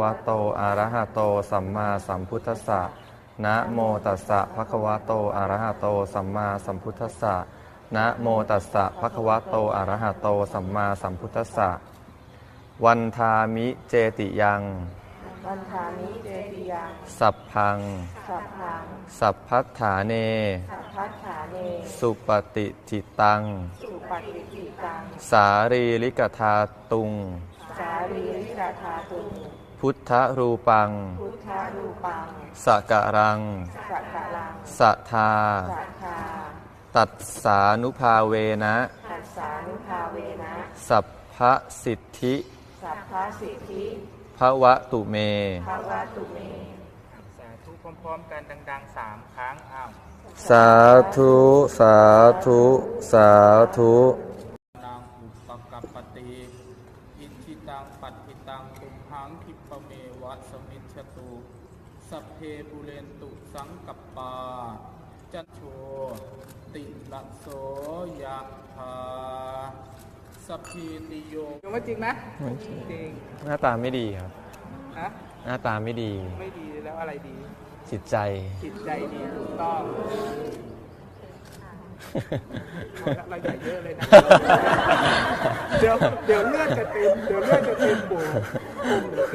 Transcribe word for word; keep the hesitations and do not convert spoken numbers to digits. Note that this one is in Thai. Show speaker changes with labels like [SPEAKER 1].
[SPEAKER 1] ะโตอะระหะโตสัมมาสัมพุทธัสสะนะโมตัสสะภะคะวะโตอะระหะโตสัมมาสัมพุทธัสสะนะโมตัสสะภะคะวะโตอะระหะโตสัมมาสัมพุทธัสสะวันทามิเจติยัง
[SPEAKER 2] วันทามิเจติยัง
[SPEAKER 1] สัพพัง
[SPEAKER 2] สัพพัง
[SPEAKER 1] สัพพัฏฐาเน
[SPEAKER 2] สัพพัฏฐาเน
[SPEAKER 1] สุปฏิทิตัง
[SPEAKER 2] สุปฏิทิตัง
[SPEAKER 1] สารีริกธาตุง
[SPEAKER 2] สารีริกธาตุง
[SPEAKER 1] พุทธรูปัง
[SPEAKER 2] พุทธรูปัง
[SPEAKER 1] สักการัง
[SPEAKER 2] สักการัง
[SPEAKER 1] สัทธา
[SPEAKER 2] สัทธา
[SPEAKER 1] ตัสสานุภาเวนะ
[SPEAKER 2] ตัสสานุภาเวนะ
[SPEAKER 1] สัพพสิทธิ
[SPEAKER 2] สัพพสิทธิ
[SPEAKER 1] ภวตุเม
[SPEAKER 2] ภวตุเม
[SPEAKER 3] สาธุพร้อมๆกันดังๆสามครั้งอ้าว
[SPEAKER 1] สาธุสาธุสาธุ
[SPEAKER 3] นางอุปกัปปติอิทิตังปัตติตังตุมหังคิปะเมวะสมิจฉตุสัพเพปุเรนตุสังกัปปาจัตโชติละโสยะถาสัพพิติโยยังไม่จริงนะไม่จริง
[SPEAKER 1] หน้าตาไม่ดีครับ
[SPEAKER 3] ฮะ
[SPEAKER 1] หน้าตาไม่ดี
[SPEAKER 3] ไม่ดีแล้วอะไรดี
[SPEAKER 1] จิตใจ
[SPEAKER 3] จิตใจดีถูกต้องเราใหญ่เยอะเลยนะเดี๋ยวเดี๋ยวเลือดจะเต็มเดี๋ยวเลือดจะเต็มโบ